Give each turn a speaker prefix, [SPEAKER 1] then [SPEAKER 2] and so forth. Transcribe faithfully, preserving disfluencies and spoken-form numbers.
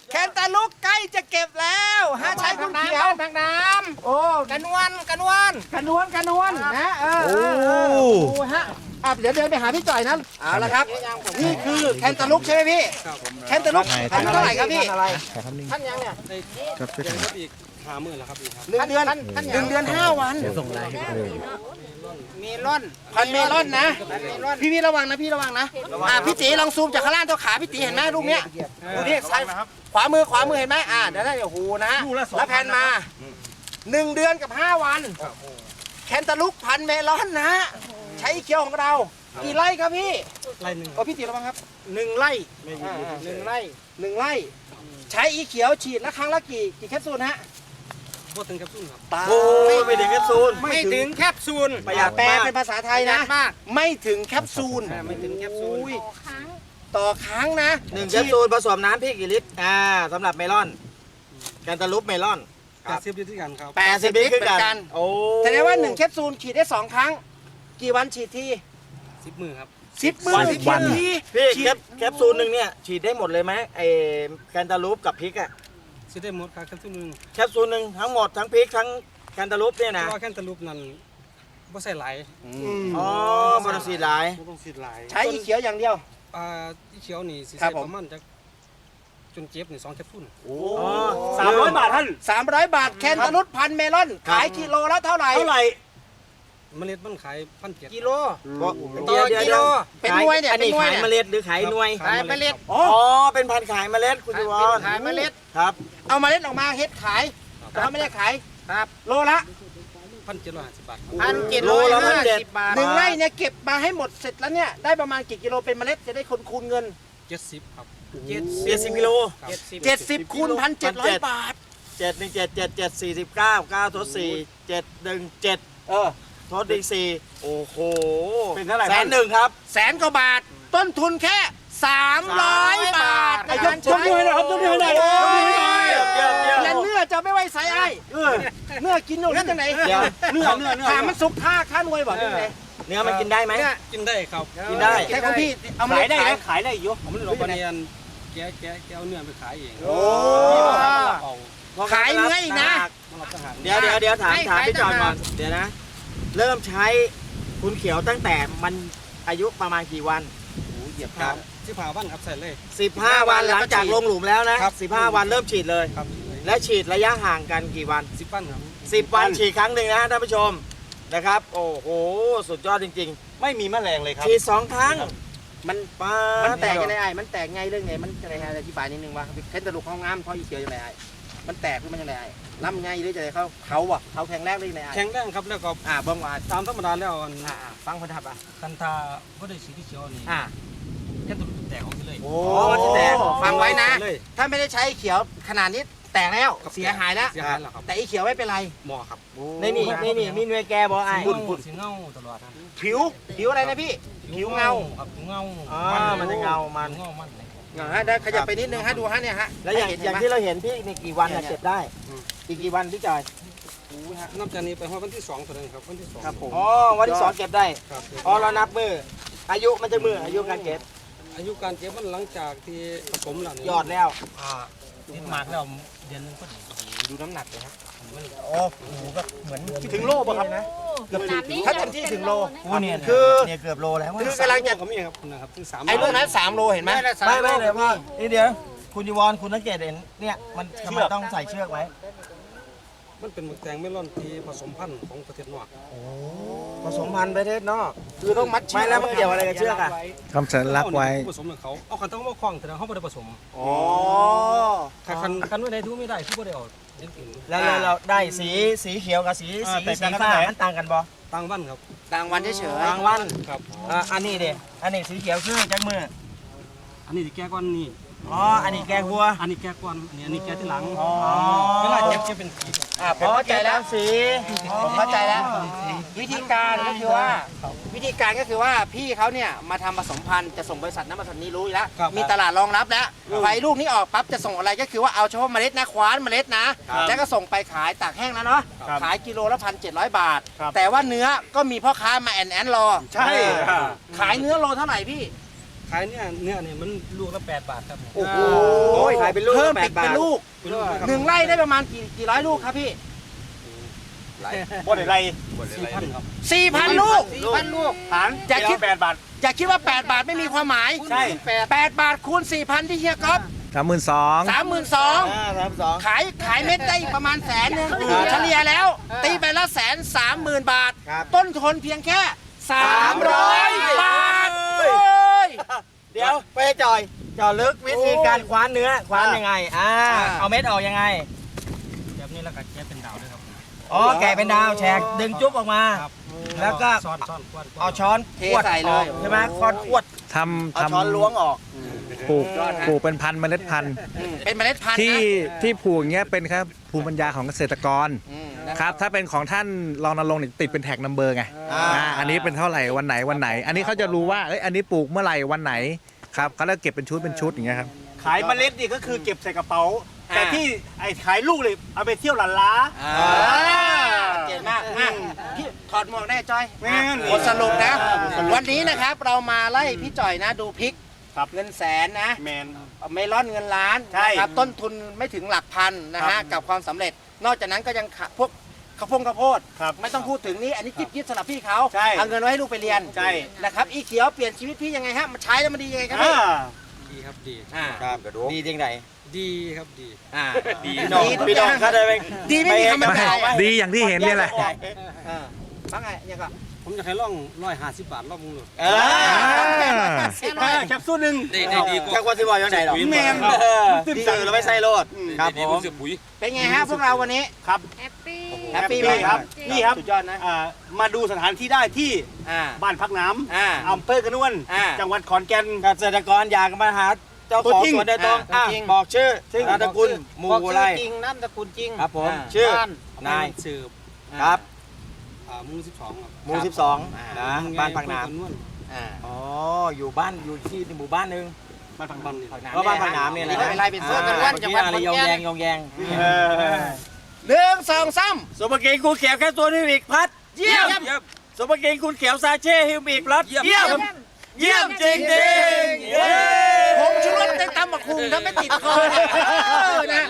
[SPEAKER 1] แคนตาลูกใกล้จะเก็บแล้วฮะใช้คุณเขียว
[SPEAKER 2] ทางน้ำ
[SPEAKER 1] โอ้
[SPEAKER 2] กระนวลกระนวล
[SPEAKER 1] กระนวลกระนวลนะเออ
[SPEAKER 3] โอ้
[SPEAKER 1] โอ้ฮะอ่ะเดี๋ยวเดินไปหาพี่จ่อยนั้นเอาละครับนี่คือแคนตาลูกใช่ไหมพี่แคนตาลูกพันเท่าไหร่ครับพี่
[SPEAKER 2] ท่านยังเนี่ย
[SPEAKER 3] ครับช่วยกัน
[SPEAKER 4] อีกห้าหมื่นแล้วครับ
[SPEAKER 1] หนึ่งเดือนหนึ่งเดือนห้าวัน
[SPEAKER 2] เมลอน
[SPEAKER 1] พันเมลอนนะพี่พี่ระวังนะพี่ระวังนะอ่ะพี่ตีลองซูมจากข้างล่างตัวขาพี่ตีเห็นไหมลูกเนี้ยดูนี่ซ้ายขวามือขวามือเห็นไหมอ่ะเดี๋ยวได้โอ้โหนะแล้วแผ่นมาหนึ่งเดือนกับห้าวันแคนตาลูกพันเมลอนนะใช้เคียวของเรากี่ไร่ครับพี่
[SPEAKER 4] ไล่หนึ่ง
[SPEAKER 1] โอ้พี่ตีระวังครับหนึ่งไร่หนึ่งไร่หนึ่งไร่ใช้อีเขียวฉีดละครั้งละกี่กี่แคปซูลฮะ
[SPEAKER 4] พวกตึงกับซุ่นครับ
[SPEAKER 1] ตา
[SPEAKER 3] โอ้ยไม่ถึงแคปซูล
[SPEAKER 2] ไม่ถึงแคปซูล
[SPEAKER 3] ประหยัด
[SPEAKER 1] แปล
[SPEAKER 3] มาก
[SPEAKER 1] เป็นภาษาไทย
[SPEAKER 2] ประหยั
[SPEAKER 1] นะ
[SPEAKER 2] ดมาก
[SPEAKER 1] ไม่ถึงแคปซูล
[SPEAKER 2] ไม่ถึงแคปซูล
[SPEAKER 1] อุ้ยต่อครั้งนะ
[SPEAKER 3] หนึ่งแคปซูลผสมน้ำพี่กี่ลิตรอ่าสำหรับเมลอนแคนตาลูปเมลอน
[SPEAKER 4] แปดสิบลิตรที่กันครับ
[SPEAKER 1] แปดสิบลิตรเหมือนกัน
[SPEAKER 3] โอ้
[SPEAKER 1] แสดงว่าหนึ่งแคปซูลฉีดได้สองครั้ง กี่วันฉีดที
[SPEAKER 4] สิบมือครับ
[SPEAKER 1] สิบมื้อสิบวันที
[SPEAKER 3] พี่
[SPEAKER 1] ฉี
[SPEAKER 3] แค
[SPEAKER 1] ด
[SPEAKER 3] ปแคปซูลหนึ่งเนี่ยฉีดได้หมดเลยไหมไอแคนตาลูปกับพริกอะ
[SPEAKER 4] ซื้อได้หมดครับแค่ซุ่นหนึ่ง
[SPEAKER 3] แคปซูลหนึ่งทั้งหมดทั้งพริกทั้งแคนตาลูปเนี่ย
[SPEAKER 4] เพ
[SPEAKER 3] นะ
[SPEAKER 4] ราะว่าแค่ตะลุปนั้นบ่ใส่ไหล
[SPEAKER 3] อ๋อบริสีหลาย
[SPEAKER 4] บ่ต้องสีไหล
[SPEAKER 1] ใช้อีเขียวอย่างเดียว
[SPEAKER 4] อ่าที่เขียวนี่สิ
[SPEAKER 1] ครั
[SPEAKER 4] ใส่
[SPEAKER 1] บผม
[SPEAKER 4] ประมาณจากจนเจ็บนี่สองแคปซูล
[SPEAKER 1] โอ้
[SPEAKER 3] อ๋อสามร้อยบาทท่าน
[SPEAKER 1] สามร้อยบาทแคนตาลูปพันเมลอนขายกิโลละเท่าไหร่
[SPEAKER 3] เท่าไหร่
[SPEAKER 4] เมล็ดมันขายพันเจ็ด
[SPEAKER 2] กิโล
[SPEAKER 3] เดี๋ยวเดี๋ยว
[SPEAKER 2] กิ
[SPEAKER 3] เดี๋
[SPEAKER 2] โล
[SPEAKER 3] ยว
[SPEAKER 1] เป็นหน่วยเนี่ย
[SPEAKER 3] อันนี้
[SPEAKER 1] เป็นหน่วย
[SPEAKER 3] ขาย
[SPEAKER 1] เนี่ย
[SPEAKER 3] เมล็ดหรือขายหน่วย
[SPEAKER 2] ขายเมล็ด
[SPEAKER 1] อ๋อ
[SPEAKER 3] อ๋อเป็นพันธุ์ขายเมล็ดคุณยูวอน
[SPEAKER 2] ขายเมล็ด
[SPEAKER 3] ครับ
[SPEAKER 1] เอาเมาเล็ดออกมาเฮ็ดขายแต่ว่าไม่ได้ขาย
[SPEAKER 2] ครับ
[SPEAKER 1] โลละ
[SPEAKER 4] พันเจ็ดร้อยห้าสิบบาทครับ
[SPEAKER 2] พันเจ็ดร้อยห้าสิบบาท
[SPEAKER 1] หนึ่งไร่เนี่ยเก็บมาให้หมดเสร็จแล้วเนี่ยได้ประมาณกี่กิโลเป็นเมล็ดจะได้คนคูณเงิน
[SPEAKER 4] เจ็ดสิบครับ
[SPEAKER 2] เจ็ด
[SPEAKER 3] เจ็ดสิบกิโล
[SPEAKER 2] เจ็ดสิบ
[SPEAKER 1] เจ็ดสิบคูณพันเจ็ดร้อยบาท
[SPEAKER 3] เจ็ดหนึ่งเจ็ดเจ็ดเจ็ดสี่สิบเก้าเก้าทดสี่เจ็ดหนึ่งเจ็ด
[SPEAKER 1] เออ
[SPEAKER 3] ทดอีกสี่โอ้โห
[SPEAKER 1] เป็นเท่าไหร่
[SPEAKER 3] แสนหนึ่งครับ
[SPEAKER 1] แสนกว่าบาท ต้นทุนแค่สามร้อยบาท
[SPEAKER 2] ไอ้
[SPEAKER 1] ไอ้
[SPEAKER 2] ย
[SPEAKER 1] ย
[SPEAKER 2] ก
[SPEAKER 1] ก
[SPEAKER 2] ยกนิ้วให้หน่อยครับยกนิ้วให้หน่อย
[SPEAKER 1] โอ้
[SPEAKER 2] ยกนิ้วให้หน่อย
[SPEAKER 1] ย
[SPEAKER 3] เยี่ยมเยี่ยม
[SPEAKER 1] และเนื้อจะไม่ไว้ใส่ไอ้เนื้อกินอยู่ที่ไหน
[SPEAKER 3] เดี๋ยว
[SPEAKER 1] เนื้อเนื้อเนื้อถามมันสุกท่าข้านวยบ่ที่ไหน
[SPEAKER 3] เนื้อมันกินได้ไหม
[SPEAKER 4] กินได้ครับ
[SPEAKER 3] กินได้
[SPEAKER 1] ใช่ของพี่เอามาเลยขาย
[SPEAKER 3] ขายได้อยู่
[SPEAKER 4] ผมไม่รู้ว่าเนี่ยแกะแกะแกะเอาเนื้อไปขายเอง
[SPEAKER 1] โอ้
[SPEAKER 4] เอา
[SPEAKER 1] ขายเนื้ออีกนะ
[SPEAKER 4] มารับทหาร
[SPEAKER 3] เดี๋ยวเดี๋ยวเดี๋ยวถาม
[SPEAKER 2] ให้
[SPEAKER 3] ถาม
[SPEAKER 2] ขาย
[SPEAKER 3] พี่จอน
[SPEAKER 2] ต่าง
[SPEAKER 3] ก่
[SPEAKER 2] หา
[SPEAKER 3] อก นเดี๋ยวนะ เริ่มใช้คุณเขียวตั้งแต่มันอายุประมาณกี่วัน
[SPEAKER 4] เหยียบครับที่ผ่าบ้านครับใส่เลย
[SPEAKER 3] สิบห้าวันหลังจากลงหลุมแล้วนะครับ สิบห้าวันเริ่มฉีดเลย
[SPEAKER 4] ครับ
[SPEAKER 3] และฉีดระยะห่างกันกี่วัน
[SPEAKER 4] สิบปั้นครับ
[SPEAKER 3] สิบวันฉีดครั้งหนึ่งนะท่านผู้ชมนะครับ โอ้โหสุดยอดจริง
[SPEAKER 5] ไม่มีแมลงเลยค
[SPEAKER 3] ๆ
[SPEAKER 5] รับ
[SPEAKER 3] ฉีดสองครั้ง
[SPEAKER 1] มัน
[SPEAKER 3] ป้า
[SPEAKER 1] มัน
[SPEAKER 3] ด
[SPEAKER 1] แตกยังไงไอ้มันแตกไงเรื่องไงมันจะไหนฮะอธิบายนิดนึงว่าเค้นตะลุกเขางามเพราะอีเขียวยังไงไอ้มันแตกหรือมันยังไงไอ้ล้ำไงหรือจะไหนเขาเขาอ่ะเขาแข็งแรงหรือยังไงไอ้
[SPEAKER 4] แข็งแรงครับแล้วก็
[SPEAKER 1] อ่าเบิ่งว่า
[SPEAKER 4] ตามธรรมดาแล้วอัน
[SPEAKER 1] อ่าอ่าฟังคนทับอ่ะ
[SPEAKER 4] คันทาก็ได้สีที่เขียวนี่
[SPEAKER 1] อ่า
[SPEAKER 4] แค่ตัวแตกออกไปเลย
[SPEAKER 1] โอ้
[SPEAKER 3] มันจะแตก
[SPEAKER 1] ฟังไว้นะ
[SPEAKER 4] เลย
[SPEAKER 1] ถ้าไม่ได้ใช้เขียวขนาดนี้แตกแล้ว
[SPEAKER 4] ครับ
[SPEAKER 1] เสียหายแล้ว
[SPEAKER 4] เสียหายแล้วครับ
[SPEAKER 1] แต่อีเขียวไม่เป็นไร
[SPEAKER 4] หมอครับ
[SPEAKER 3] นี่นี่นี่นี่มีหน่วยแกบอกไอ้
[SPEAKER 4] สีเงาสีเงาตลอดครับ
[SPEAKER 1] ผิวผิวอะไรนะพี่ ผิวเงา
[SPEAKER 4] ครับผิวเงา
[SPEAKER 3] อ่ามันจะเงามัน
[SPEAKER 4] เงามันเลย
[SPEAKER 1] อ่าฮะได้ขยับไปนิดนึงฮะดูฮะเนี่ยฮะ
[SPEAKER 3] แล้วอย่าง
[SPEAKER 1] ให้
[SPEAKER 3] อย่าง
[SPEAKER 1] เห็น
[SPEAKER 3] ที่
[SPEAKER 1] ไหม
[SPEAKER 3] เราเห็นพี่นี่กี่วันน่ะเก็บได้ อีกกี่วันพี่จอย
[SPEAKER 4] นับจากนี้ไปฮอดวันที่สองตัวนึงครับวันที่สอง
[SPEAKER 1] ครับผม
[SPEAKER 3] อ๋อวันที่สองเก็บได้
[SPEAKER 4] ครับ
[SPEAKER 3] อ๋อเรานับมืออายุมันจะมืออายุการเก็บ
[SPEAKER 4] อายุการเก็บมันหลังจากที่ผสมแล้วนี่
[SPEAKER 3] ยอดแล้ว
[SPEAKER 4] อ่าติดหมากแล้วเดือนหนึงก็ดี
[SPEAKER 1] ดูน้ำหนักเลยฮะ
[SPEAKER 4] มัน
[SPEAKER 1] โอ้โหก็เหมือนถึงโลป่ะครับนะเกือบถึงถ้าเต็มที่ถึงโล
[SPEAKER 3] โอ้เนี่ย
[SPEAKER 1] คือ
[SPEAKER 3] เนี่ยเกือบโลแล้ว
[SPEAKER 1] คือกำลังจะ
[SPEAKER 4] ก็มีครับนะครับถึงสาม
[SPEAKER 1] ไอ้ลูกนั้นสามโลเห็นไหม
[SPEAKER 3] ไม่ไม่เลยว่านี่เดี๋ยวคุณยูวอนคุณสังเกตเห็นเนี่ยมันทำไมต้องใส่เชือกไว้
[SPEAKER 4] มันเป็นหมึกแตงเมลอนที่ผสมพันธุ์ของประเทศนอก
[SPEAKER 3] ผสมพันธุ์ประเทศนอก
[SPEAKER 1] คือต้องมัด
[SPEAKER 3] ไม่แล้วมันเกี่ยวอะไรกับเชือกอ่ะ
[SPEAKER 5] ทำสัญลักษณ์ไว้
[SPEAKER 4] ผสมกับเขาเอาคันต้องมาคล้องแต่เขาไม่ได้ผสม
[SPEAKER 1] อ๋อ
[SPEAKER 4] ถ้าคันคันไม่ได้ดูไม่ได้ที่ไม่ได้เอาเล่นอื่น
[SPEAKER 3] แล้วเราเราได้สีสีเขียวกับสีสีสีฟ้ามันต่างกันบ่
[SPEAKER 4] ต่างวันครับ
[SPEAKER 1] ต่างวันเฉย
[SPEAKER 3] บางวัน
[SPEAKER 4] ครับ
[SPEAKER 3] อ่าอันนี้เด็อันนี้สีเขียวคือจักมือ
[SPEAKER 4] อันนี้ที่แก้ก้อนนี่
[SPEAKER 3] อ๋ออันนี้แกงวัว
[SPEAKER 4] อันนี้แก้ก้อนอันนี้อันนี้แก้ที่หลัง
[SPEAKER 3] อ๋อ
[SPEAKER 4] เวลาเก็บจะเป็นสี
[SPEAKER 1] ๆอ่าผมเข้าใจแล้ว
[SPEAKER 3] สี
[SPEAKER 1] ผมเข้าใจแล้ว วิธีการก็คือว่า วิธีการก็คือว่าพี่เขาเนี่ยมาทำผสมพันธุ์จะส่งบริษัทนั้นบริษัทนี้รู้อยู่แล้วมีตลาดรองรับแล้วไฟลูกนี้ออกปั๊บจะส่งอะไรก็คือว่าเอาเฉพาะเมล็ดนะคว้านเมล็ดนะแล้วก็ส่งไปขายตากแห้งแล้วเนาะขายกิโลละพันเจ็ดร้อยบาท แต่ว่าเนื้อก็มีพ่อค้ามาแอนแอนรอ
[SPEAKER 5] ใช่
[SPEAKER 1] ขายเนื้อโลเท่าไหร่พี่
[SPEAKER 4] ขายเนี่ยเนื้อเนี่ยมันลูกละแปดบาทครับ
[SPEAKER 1] โอ้โห
[SPEAKER 3] โอ้ยขายเป็นลูก
[SPEAKER 1] เพิ่ม
[SPEAKER 3] แป
[SPEAKER 1] ติ
[SPEAKER 3] ด
[SPEAKER 1] ด
[SPEAKER 3] บา
[SPEAKER 1] เป็น
[SPEAKER 3] ท
[SPEAKER 1] ลูก
[SPEAKER 4] เป็นลูกครับ
[SPEAKER 1] หนึ่งไร่ได้ประมาณกี่กี่ร้อยลูกครับพี่
[SPEAKER 5] บ่ได้ไร
[SPEAKER 4] สี่พันครับ
[SPEAKER 1] สี่พันลูก
[SPEAKER 2] สี่พันลูก
[SPEAKER 5] หาร
[SPEAKER 1] อย่าคิด
[SPEAKER 5] แปดบาท
[SPEAKER 1] อย่าคิดว่าแปดบาทไม่มีความหมาย
[SPEAKER 5] ใช่
[SPEAKER 1] แปดบาทคูณสี่พันที่เฮียก๊อฟ
[SPEAKER 5] สามหมื่นสอง
[SPEAKER 1] สามหมื่นสอง
[SPEAKER 3] อ่าสามสอง
[SPEAKER 1] ขายขายเม็ดได้อีกประมาณแสนหนึงเฉลี่ยแล้ว ตีไปละแสนสามหมื่นบาท
[SPEAKER 3] ครับ
[SPEAKER 1] ต้นทุนเพียงแค่สามร้อยบาท
[SPEAKER 3] เฮ้
[SPEAKER 1] โอ้ย
[SPEAKER 3] เดี๋ยวไปจอยเจาะลึกวิธีการคว้านเนื้อคว้านยังไงอ่า
[SPEAKER 1] อ่า
[SPEAKER 3] เอาเม็ดออกยังไง
[SPEAKER 4] แบบนี้แล้วก็แกะเป็นดาวด้วยครับ
[SPEAKER 3] อ๋อแกะเป็นดาวแฉกดึงจุ๊บออกมา
[SPEAKER 4] ครับ
[SPEAKER 3] แล้วก็
[SPEAKER 4] ซ่อนซ่อนกวน
[SPEAKER 3] เอาช้อน
[SPEAKER 1] เท
[SPEAKER 3] ขวด
[SPEAKER 1] ใส่เลย
[SPEAKER 3] ออกใช่ไหมค้อนขวด
[SPEAKER 5] ทำ
[SPEAKER 3] เอา
[SPEAKER 5] ทำ
[SPEAKER 3] ช้อนล้วงออก
[SPEAKER 5] ปลูกปลูกเป็นพันธุ์เมล็ดพันธุ์
[SPEAKER 1] อืมเป็นเมล็ดพันธุ์
[SPEAKER 5] ที่
[SPEAKER 1] นะ
[SPEAKER 5] ที่ปลูกอย่างเงี้ยเป็นครับภูมิปัญญาของเกษตรกร
[SPEAKER 1] อืมนะ
[SPEAKER 5] ครับถ้าเป็นของท่านรองนรงค์เนี่ยติดเป็นแท็กนัมเบอร์ไง
[SPEAKER 3] อ่า
[SPEAKER 5] อ่าอันนี้เป็นเท่าไหร่วันไหนวันไหน อันนี้เขาจะรู้ว่าเอ้ยอันนี้ปลูกเมื่อไหร่วันไหนครับเขาจะเก็บเป็นชุดเป็นชุดอย่างเงี้ยครับ
[SPEAKER 6] ขายเมล็ดนี่ก็คือเก็บใส่กระเป๋า
[SPEAKER 1] อ่า
[SPEAKER 6] แต่ที่ไอ้ขายลูกเลยเอาไปเที่ยวหลันล้า
[SPEAKER 1] อ่าเจ๋งมากอ่ะพี่ถอดหมวกได้จอย
[SPEAKER 6] แม่น
[SPEAKER 1] บทสรุปนะ วันนี้นะครับเรามาไล่พี่จ่อยนะดูพริก
[SPEAKER 6] ครับ
[SPEAKER 1] เงินแสนนะ
[SPEAKER 6] แมน
[SPEAKER 1] เมลอนเงินล้าน
[SPEAKER 6] ใช่
[SPEAKER 1] นะครับต้นทุนไม่ถึงหลักพันนะ
[SPEAKER 6] ครั
[SPEAKER 1] ฮะ
[SPEAKER 6] บ
[SPEAKER 1] กับความสำเร็จ นอกจากนั้นก็ยังขะพวกข้าวโพงข้าวโพด
[SPEAKER 6] ครับ
[SPEAKER 1] ไม่ต้องพูดถึงนี่อันนี้จิ๊บจิ๊บสำหรับพี่เขา
[SPEAKER 6] ใช่
[SPEAKER 1] เอาเงินไว้ให้ลูกไปเรียน
[SPEAKER 6] ใช่
[SPEAKER 1] นะครับอีเขียวเปลี่ยนชีวิตพี่ยังไงฮะมันใช้แล้วมันดียังไงครับ
[SPEAKER 6] อ่า
[SPEAKER 1] พี่
[SPEAKER 4] ดีครับดี
[SPEAKER 1] อ่า
[SPEAKER 3] ครับดีจริงไหน
[SPEAKER 4] ดีครับดี
[SPEAKER 1] อ่า
[SPEAKER 3] ดี
[SPEAKER 1] ดีทุก
[SPEAKER 3] พี่
[SPEAKER 1] อ
[SPEAKER 3] น้อง
[SPEAKER 1] ย่าง
[SPEAKER 3] เขาได้ไป
[SPEAKER 1] ดีไม่มีคำบรรยาย
[SPEAKER 3] ไม่
[SPEAKER 5] ดีอย่างที่เห็นเนี่ยแหละ
[SPEAKER 1] อ่าว่าไงเนี่ยก็
[SPEAKER 4] ผมอยากให้ล่องร้อยห้าสิบบาทรอบมึงเลย
[SPEAKER 3] เอ
[SPEAKER 5] อ่า
[SPEAKER 6] อ่าแคปซูลหนึ่ง
[SPEAKER 4] ดีดีดีกว่า
[SPEAKER 3] จากวันที่บอกยังไงหรอ
[SPEAKER 6] แมน
[SPEAKER 3] เออดีเราไม่ใส่โลดครับผม
[SPEAKER 1] เป็นไงฮะพวกเราวันนี้
[SPEAKER 6] ครับ
[SPEAKER 7] แฮปปี้
[SPEAKER 1] แฮปปี้ไหม
[SPEAKER 6] ครับนี่ครับ
[SPEAKER 1] สุดยอดนะ
[SPEAKER 6] อ่ามาดูสถานที่ได้ที่
[SPEAKER 1] อ่า
[SPEAKER 6] บ้านพักน้
[SPEAKER 1] อ่า
[SPEAKER 6] ำอำเภอกระนวน
[SPEAKER 1] อ่า
[SPEAKER 6] จังหวัดขอนแก่น
[SPEAKER 3] เกษตรกรอยากมาหาเจ้าของ
[SPEAKER 6] ตัวจริง
[SPEAKER 3] สวนโดยตรง
[SPEAKER 1] อ่า
[SPEAKER 3] อ่ะ
[SPEAKER 1] ตัวจริง
[SPEAKER 3] บอกชื่อชื่อนามสกุลหมู่
[SPEAKER 2] บอก
[SPEAKER 3] อะไร
[SPEAKER 2] ชื่อจริงนามสกุลจริง
[SPEAKER 3] ครับผม
[SPEAKER 1] อ่า
[SPEAKER 3] ชื่อ
[SPEAKER 2] บ้าน
[SPEAKER 3] นาย
[SPEAKER 4] สืบ
[SPEAKER 3] ครับ
[SPEAKER 4] อ่าหมู่สิบสองครับ
[SPEAKER 3] หมู่สิบสองนะบ้านพักน้
[SPEAKER 1] อ่า
[SPEAKER 3] ำอ๋ออยู่บ้านอยู่ที่หมู่บ้านหนึง
[SPEAKER 6] บ้านพัก
[SPEAKER 4] บ้าน
[SPEAKER 6] น้ำ
[SPEAKER 4] นี่
[SPEAKER 3] ก็บ้านพักน้ำเนี่ยแหละ
[SPEAKER 1] ไม่เป็นไรเป็นเสื้อกัน
[SPEAKER 3] อ่า
[SPEAKER 1] วันจังหวัด
[SPEAKER 3] เมื่อกี้อะไรยองแยงยองแยง
[SPEAKER 6] เออ
[SPEAKER 1] หนึ่งสองสาม
[SPEAKER 3] สมบัติกูเขียวแค่ตัวนิวิกพัด
[SPEAKER 1] เยี่ยม
[SPEAKER 3] สมบัติคุณเขียวซาเช่ฮิวบิกพลัด
[SPEAKER 4] เยี่ยม
[SPEAKER 3] เยี่ยมเยี่ยมจริงจริงๆเย้
[SPEAKER 1] ผมชูรสเต็มตำบักคุงถ้าไม่ติดคอนะ